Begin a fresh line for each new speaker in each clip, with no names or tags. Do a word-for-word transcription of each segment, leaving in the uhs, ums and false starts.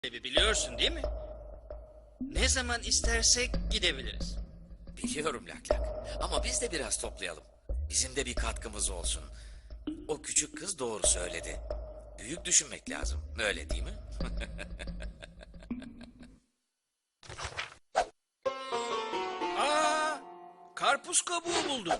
Biliyorsun değil mi? Ne zaman istersek gidebiliriz.
Biliyorum Lak Lak. Ama biz de biraz toplayalım. Bizim de bir katkımız olsun. O küçük kız doğru söyledi. Büyük düşünmek lazım. Öyle değil mi?
Aa, karpuz kabuğu buldum.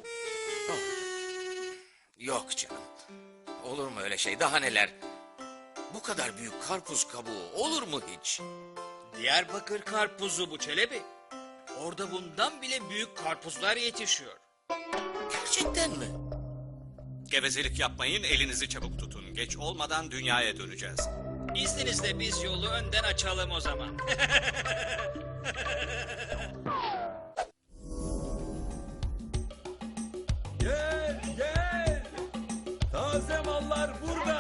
Yok canım. Olur mu öyle şey? Daha neler? Bu kadar büyük karpuz kabuğu olur mu hiç?
Diyarbakır karpuzu bu Çelebi. Orada bundan bile büyük karpuzlar yetişiyor.
Gerçekten mi?
Gevezelik yapmayın, elinizi çabuk tutun. Geç olmadan dünyaya döneceğiz.
İzninizle biz yolu önden açalım o zaman.
Gel gel. Taze mallar burada.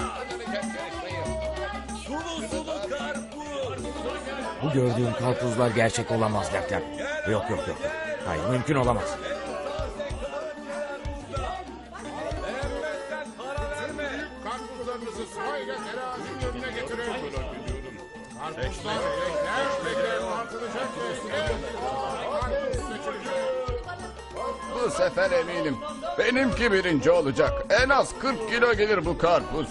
Sulu sulu karpuz.
Bu gördüğün karpuzlar gerçek olamaz Lak Lak. Yok yok yok. Hayır mümkün olamaz.
Beğenmezsen para verme.
Karpuzlarınızı sırayla terazinin önüne getirin. Karpuzlar bekler bekler tartılacak ve karpuz seçilecek.
Bu sefer eminim. Benimki birinci olacak. En az kırk kilo gelir bu karpuz.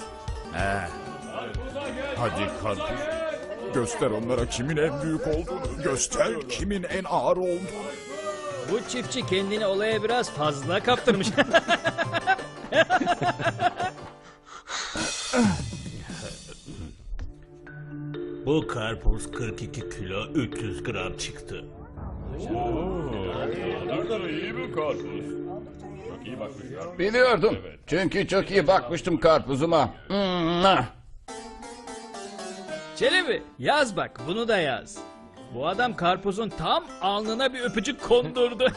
Hadi karpuz. Göster onlara kimin en büyük olduğunu. Göster kimin en ağır olduğunu.
Bu çiftçi kendini olaya biraz fazla kaptırmış.
Bu karpuz kırk iki kilo üç yüz gram çıktı.
Biliyordum. Çünkü çok iyi bakmıştım karpuzuma. Mwah!
Çelebi yaz bak, bunu da yaz. Bu adam karpuzun tam alnına bir öpücük kondurdu.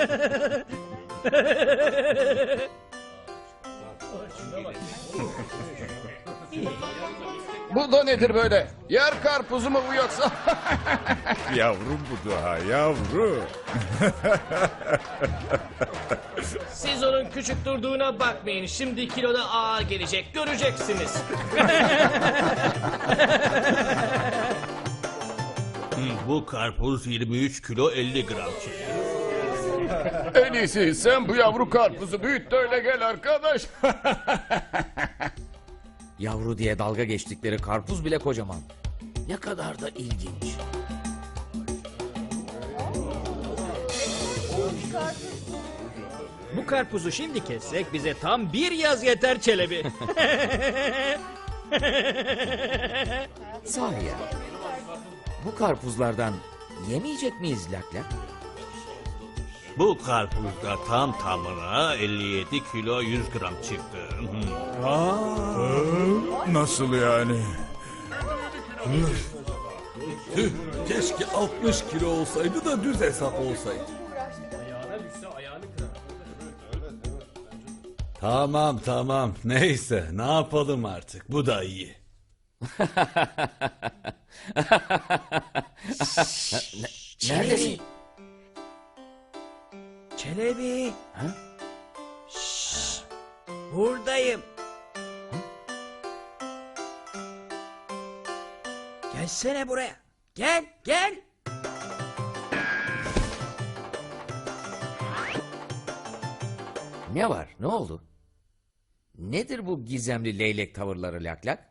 Bu da nedir böyle? Yer karpuzu mu bu yoksa?
Yavrum bu daha yavru.
Siz onun küçük durduğuna bakmayın. Şimdi kiloda ağır gelecek. Göreceksiniz.
Bu karpuz yirmi üç kilo elli gram çıktı.
En iyisi sen bu yavru karpuzu büyüt de öyle gel arkadaş.
Yavru diye dalga geçtikleri karpuz bile kocaman. Ne kadar da ilginç.
Bu karpuzu şimdi kessek bize tam bir yaz yeter Çelebi.
Sahi ya. Bu karpuzlardan yemeyecek miyiz Lak Lak?
Bu karpuzda tam tamına elli yedi kilo yüz gram çıktı.
Nasıl yani?
Keşke altmış kilo olsaydı da düz hesap olsaydı. Tamam tamam neyse ne yapalım artık bu da iyi.
Neredesin?
Çelebi.
Ha?
Şşş, buradayım. Gelsene buraya. Gel, gel.
Ne var? Ne oldu? Nedir bu gizemli leylek tavırları Lak Lak?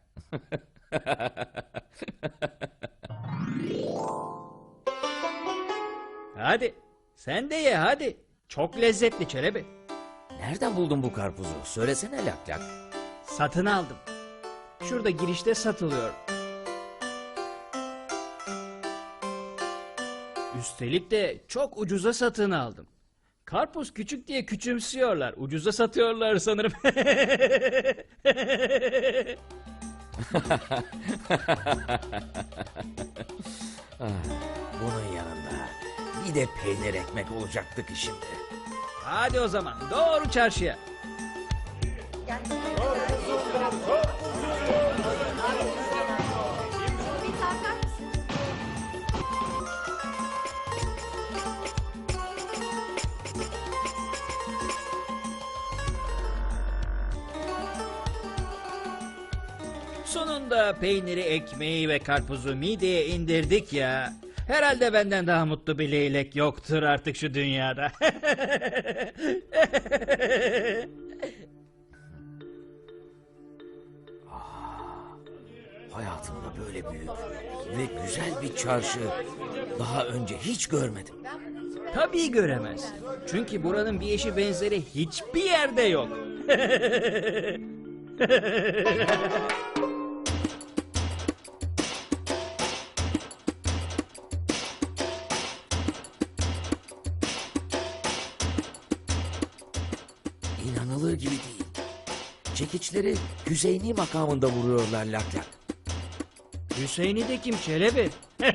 Hadi, sen de ye hadi. Çok lezzetli Çelebi.
Nereden buldun bu karpuzu? Söylesene Lak Lak.
Satın aldım. Şurada girişte satılıyor. Üstelik de çok ucuza satın aldım. Karpuz küçük diye küçümsüyorlar. Ucuza satıyorlar sanırım.
Ah, bunun yanında bir de peynir ekmek olacaktık şimdi.
Hadi o zaman doğru çarşıya. Sonunda Sonunda peyniri, ekmeği ve karpuzu mideye indirdik ya. Herhalde benden daha mutlu bir leylek yoktur artık şu dünyada.
Hayatımda böyle büyük ve güzel bir çarşı daha önce hiç görmedim.
Tabii göremez. Çünkü buranın bir eşi benzeri hiçbir yerde yok.
İnanılır gibi değil. Çekiçleri Hüseyini makamında vuruyorlar lak lak.
Hüseyin'i de kim Çelebi?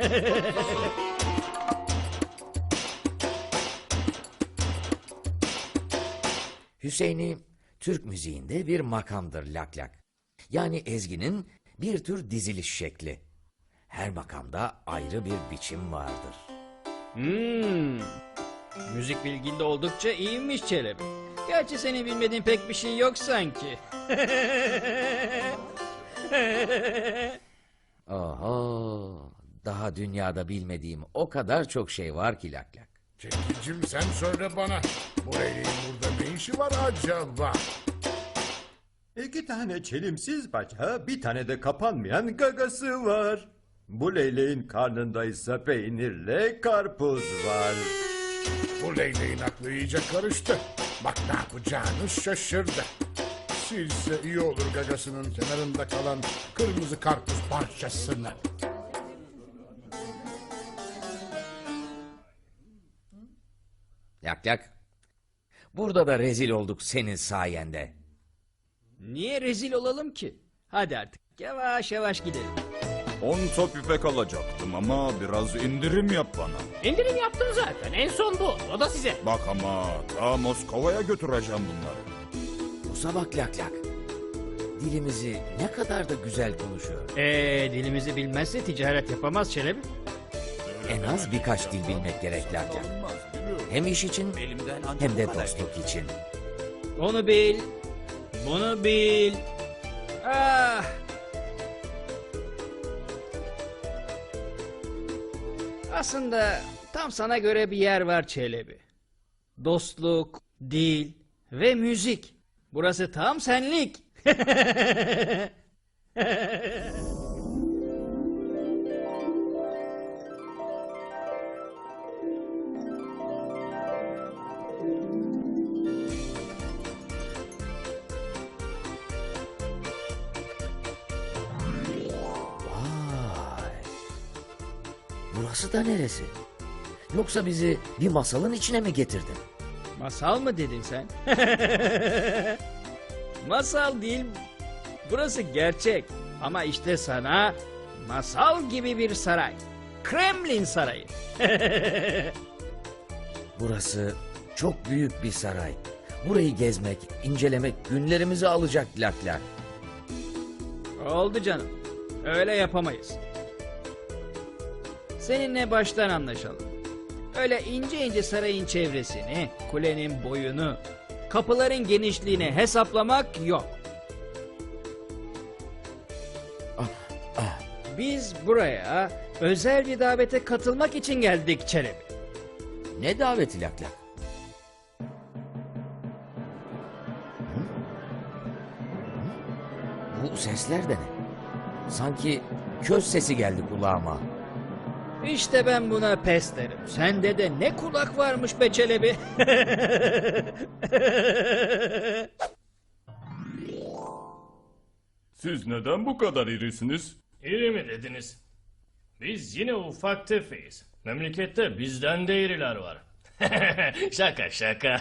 Hüseyini Türk müziğinde bir makamdır lak lak. Yani ezginin bir tür diziliş şekli. Her makamda ayrı bir biçim vardır.
Hmm. Müzik bilginde oldukça iyiymiş Çelebi. Gerçi senin bilmediğin pek bir şey yok sanki.
Oho, daha dünyada bilmediğim o kadar çok şey var ki lak lak.
Çekicim sen söyle bana. Bu leyleğin burada ne işi var acaba?
İki tane çelimsiz bacağı, bir tane de kapanmayan gagası var. Bu leyleğin karnında ise peynirle karpuz var.
Bu leyleğin aklı iyice karıştı. Bak ne yapacağını şaşırdı. Silse iyi olur gagasının kenarında kalan kırmızı karpuz parçasını.
Lak lak. Burada da rezil olduk senin sayende.
Niye rezil olalım ki? Hadi artık yavaş yavaş gidelim.
On top ipek alacaktım ama biraz indirim yap bana.
İndirim yaptım zaten. En son bu. O da size.
Bak ama ta Moskova'ya götüreceğim bunları.
Bu sabah lak lak. Dilimizi ne kadar da güzel konuşuyor.
Eee dilimizi bilmezse ticaret yapamaz Çelebi.
En az birkaç dil bilmek gerek lak lak. Hem iş için hem de dostluk için.
Onu bil. Bunu bil. Ah. Aslında tam sana göre bir yer var Çelebi. Dostluk, dil ve müzik. Burası tam senlik.
Vay. Burası da neresi? Yoksa bizi bir masalın içine mi getirdin?
Masal mı dedin sen? Masal değil. Burası gerçek. Ama işte sana masal gibi bir saray. Kremlin Sarayı.
Burası çok büyük bir saray. Burayı gezmek, incelemek günlerimizi alacak lak lak.
Oldu canım. Öyle yapamayız. Seninle baştan anlaşalım. Öyle ince ince sarayın çevresini, kulenin boyunu, kapıların genişliğini hesaplamak yok. Biz buraya özel bir davete katılmak için geldik Çelebi.
Ne daveti lak lak? Hı? Bu sesler de ne? Sanki köz sesi geldi kulağıma.
İşte ben buna pes derim. Sende de ne kulak varmış be Çelebi.
Siz neden bu kadar irisiniz?
İri mi dediniz? Biz yine ufak tefeyiz. Memlekette bizden de iriler var. Şaka şaka.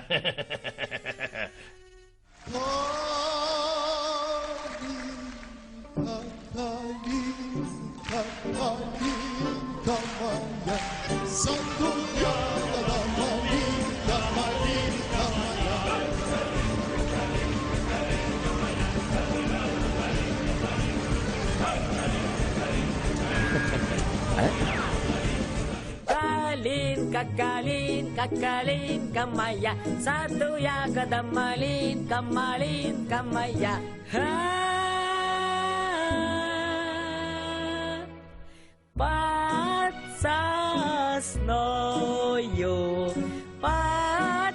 Kalin, kakalin, kakalin, kamaya. Satu ya kadamalin, kamalin, kamaya. Ha. зеленою, под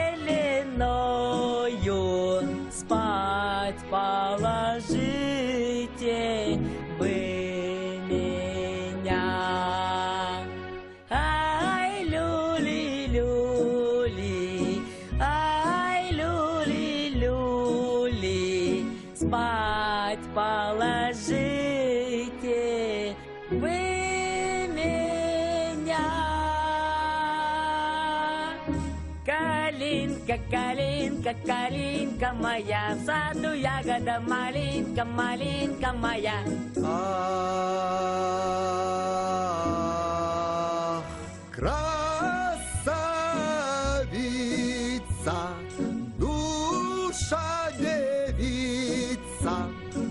зеленою, спать положите вы меня. Ай, люли, люли, ай, люли, люли, спать положите вы меня. Калинка, калинка, калинка моя, в саду ягода малинка, малинка моя.
Ах, красавица, душа девица,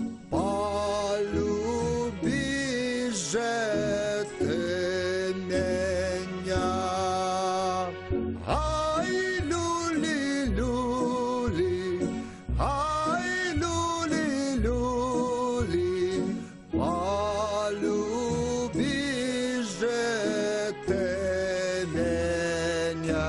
полюби же ты меня. Ай, люли, люли, ай, люли, люли, полюби же ты меня.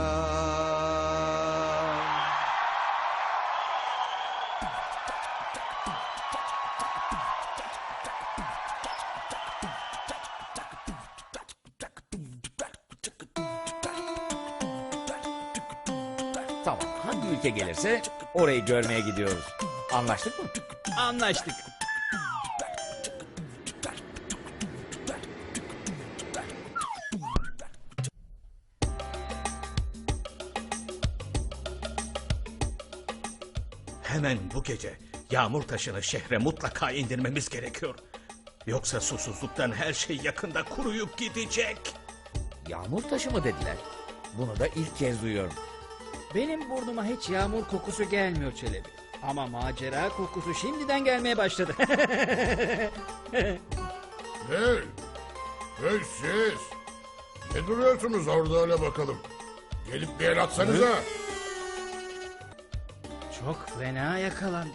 Tamam, hangi ülke gelirse orayı görmeye gidiyoruz. Anlaştık mı?
Anlaştık.
Hemen bu gece yağmur taşını şehre mutlaka indirmemiz gerekiyor. Yoksa susuzluktan her şey yakında kuruyup gidecek.
Yağmur taşı mı dediler? Bunu da ilk kez duyuyorum.
Benim burnuma hiç yağmur kokusu gelmiyor Çelebi. Ama macera kokusu şimdiden gelmeye başladı.
Hey! Hey siz! Ne duruyorsunuz orada öyle bakalım? Gelip bir el atsanıza.
Çok fena yakalandı.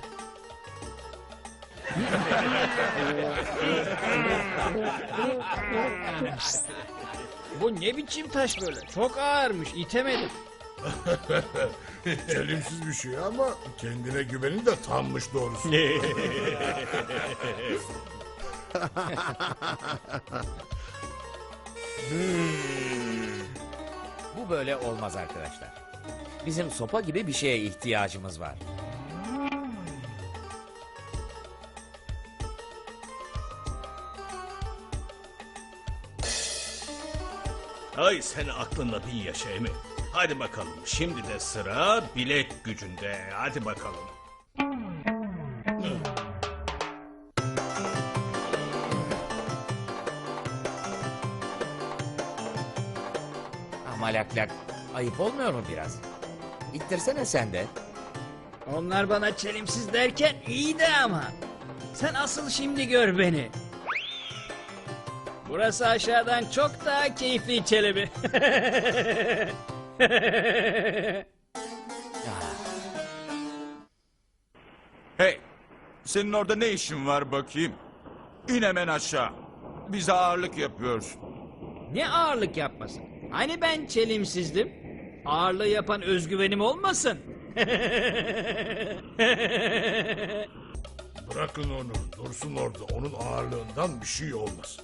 Bu ne biçim taş böyle? Çok ağırmış, itemedim.
Çelimsiz bir şey ama kendine güvenin de tammış doğrusu.
Bu böyle olmaz arkadaşlar. Bizim sopa gibi bir şeye ihtiyacımız var.
Ay sen aklınla bin yaşa Emi. Hadi bakalım şimdi de sıra bilek gücünde. Hadi bakalım.
Ama lak lak, ayıp olmuyor mu biraz? İttirsene sen de.
Onlar bana çelimsiz derken iyiydi ama. Sen asıl şimdi gör beni. Burası aşağıdan çok daha keyifli Çelebi.
Hey, senin orada ne işin var bakayım? İn hemen aşağı. Bize ağırlık yapıyorsun.
Ne ağırlık yapmasın? Hani ben çelimsizdim? Ağırlığı yapan özgüvenim olmasın?
Bırakın onu, dursun orada. Onun ağırlığından bir şey olmaz.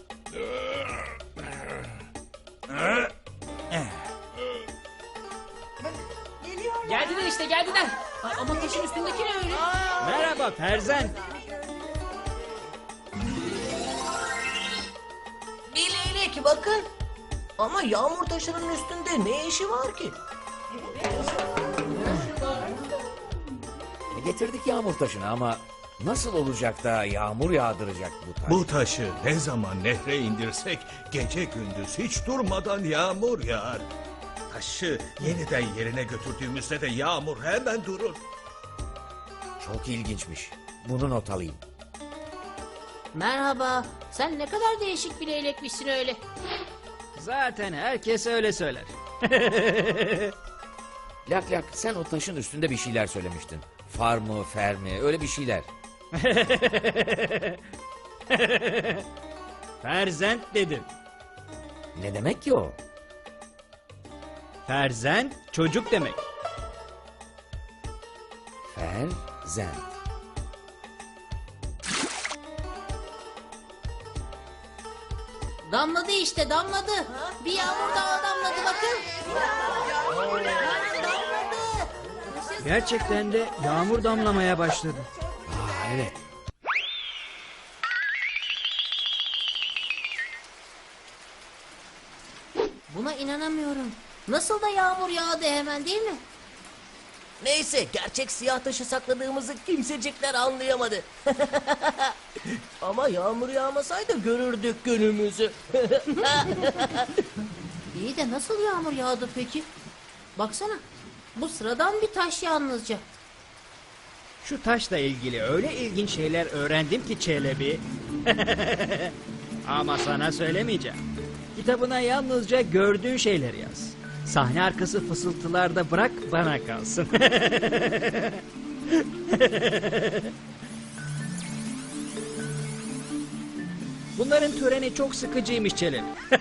Geldiler işte geldiler. Ay, ama taşın üstündeki ne öyle?
Merhaba Ferzan.
Bir leylek bakın. Ama yağmur taşının üstünde ne işi var ki?
E, Getirdik yağmur taşını ama nasıl olacak da yağmur yağdıracak bu taş?
Bu taşı ne zaman nehre indirsek gece gündüz hiç durmadan yağmur yağar. Taşı yeniden yerine götürdüğümüzde de yağmur hemen durur.
Çok ilginçmiş. Bunu not alayım.
Merhaba. Sen ne kadar değişik bir leylekmişsin öyle.
Zaten herkes öyle söyler.
Lak lak, sen o taşın üstünde bir şeyler söylemiştin. Far mı, fer mi, öyle bir şeyler.
Ferzent dedim.
Ne demek ki o?
Ferzent çocuk demek.
Ferzent.
Damladı işte damladı. Bir yağmur daha damladı bakın.
Gerçekten de yağmur damlamaya başladı.
Aa, evet.
Buna inanamıyorum. Nasıl da yağmur yağdı hemen değil mi?
Neyse gerçek siyah taşı sakladığımızı kimsecikler anlayamadı. Ama yağmur yağmasaydı görürdük günümüzü.
İyi de nasıl yağmur yağdı peki? Baksana. Bu sıradan bir taş yalnızca.
Şu taşla ilgili öyle ilginç şeyler öğrendim ki Çelebi. Ama sana söylemeyeceğim. Kitabına yalnızca gördüğün şeyleri yaz. Sahne arkası fısıltılarda bırak bana kalsın. Bunların töreni çok sıkıcıymış Çelebi.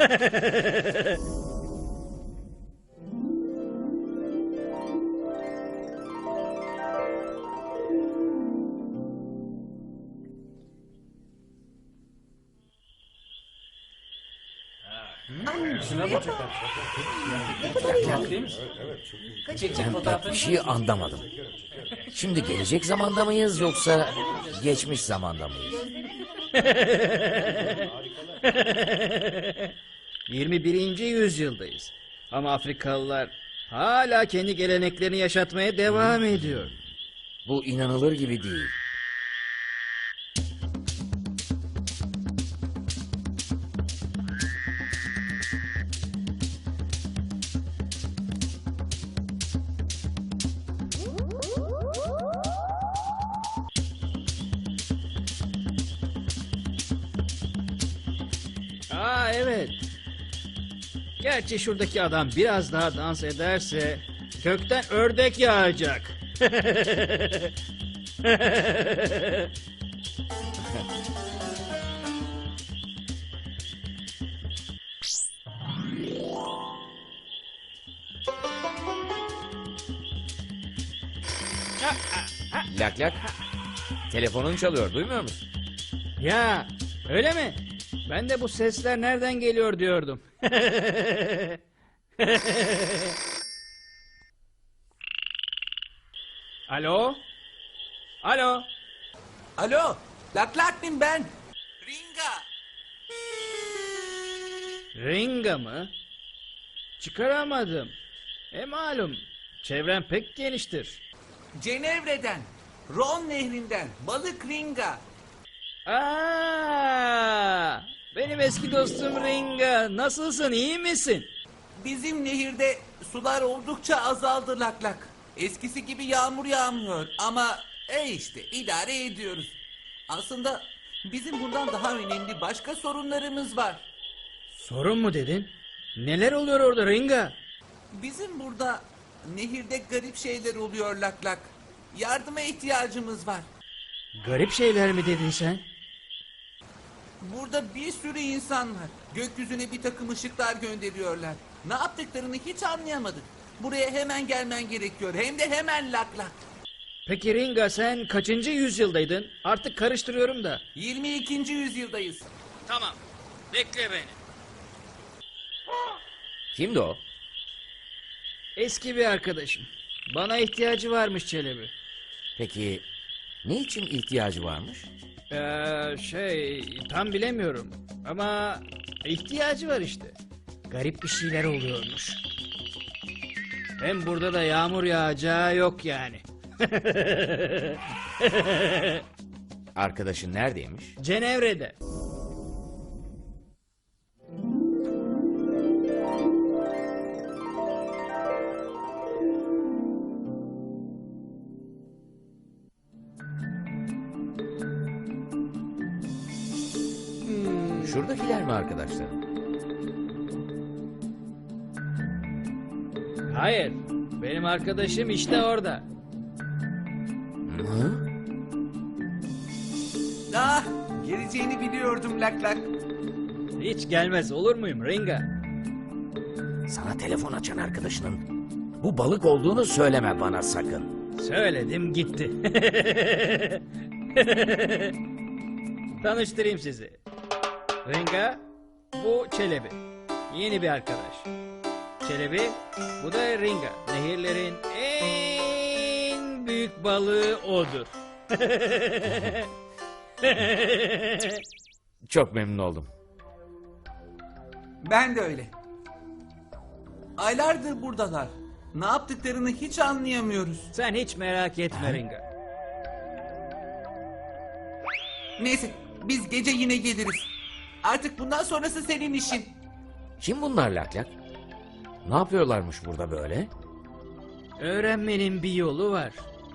Ben pek bir şey anlamadım. Şimdi gelecek zamanda mıyız yoksa geçmiş zamanda mıyız?
yirmi birinci yüzyıldayız. Ama Afrikalılar hala kendi geleneklerini yaşatmaya devam ediyor.
Bu inanılır gibi değil.
Aa evet. Gerçi şuradaki adam biraz daha dans ederse gökten ördek yağacak.
Lak lak. Telefonun çalıyor, duymuyor musun?
Ya öyle mi? Ben de bu sesler nereden geliyor diyordum. Alo? Alo?
Alo, Lak Lak'im ben. Ringa.
Ringa mı? Çıkaramadım. E malum, çevrem pek geniştir.
Cenevre'den, Ron Nehri'nden, balık Ringa.
Aa, benim eski dostum Ringa. Nasılsın, iyi misin?
Bizim nehirde sular oldukça azaldı Lak Lak. Eskisi gibi yağmur yağmıyor ama e işte idare ediyoruz. Aslında bizim bundan daha önemli başka sorunlarımız var.
Sorun mu dedin? Neler oluyor orada Ringa?
Bizim burada nehirde garip şeyler oluyor Lak Lak. Yardıma ihtiyacımız var.
Garip şeyler mi dedin sen?
Burada bir sürü insan var. Gökyüzüne bir takım ışıklar gönderiyorlar. Ne yaptıklarını hiç anlayamadık. Buraya hemen gelmen gerekiyor. Hem de hemen Lak Lak.
Peki Ringa, sen kaçıncı yüzyıldaydın? Artık karıştırıyorum da.
yirmi ikinci yüzyıldayız.
Tamam. Bekle beni.
Kimdi o?
Eski bir arkadaşım. Bana ihtiyacı varmış Çelebi.
Peki niçin ihtiyacı varmış?
Ee, şey tam bilemiyorum. Ama ihtiyacı var işte. Garip bir şeyler oluyormuş. Hem burada da yağmur yağacağı yok yani.
Arkadaşın neredeymiş?
Cenevre'de.
Şuradakiler mi arkadaşların?
Hayır. Benim arkadaşım işte orada.
Hı?
Ah, geleceğini biliyordum Lak Lak.
Hiç gelmez olur muyum Ringa?
Sana telefon açan arkadaşının bu balık olduğunu söyleme bana sakın.
Söyledim gitti. Tanıştırayım sizi. Ringa, bu Çelebi. Yeni bir arkadaş. Çelebi, bu da Ringa. Nehirlerin en büyük balığı odur.
Çok memnun oldum.
Ben de öyle. Aylardır buradalar. Ne yaptıklarını hiç anlayamıyoruz.
Sen hiç merak etme Ringa.
Neyse, biz gece yine geliriz. Artık bundan sonrası senin işin.
Kim bunlar Lak Lak? Ne yapıyorlarmış burada böyle?
Öğrenmenin bir yolu var.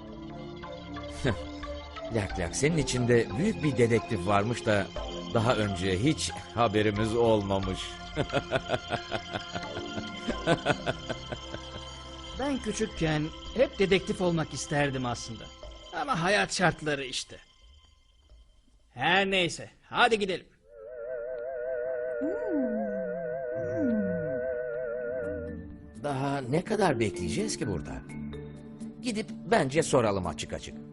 Lak Lak, senin içinde büyük bir dedektif varmış da daha önce hiç haberimiz olmamış.
Ben küçükken hep dedektif olmak isterdim aslında. Ama hayat şartları işte. Her neyse, hadi gidelim.
Daha ne kadar bekleyeceğiz ki burada? Gidip bence soralım açık açık.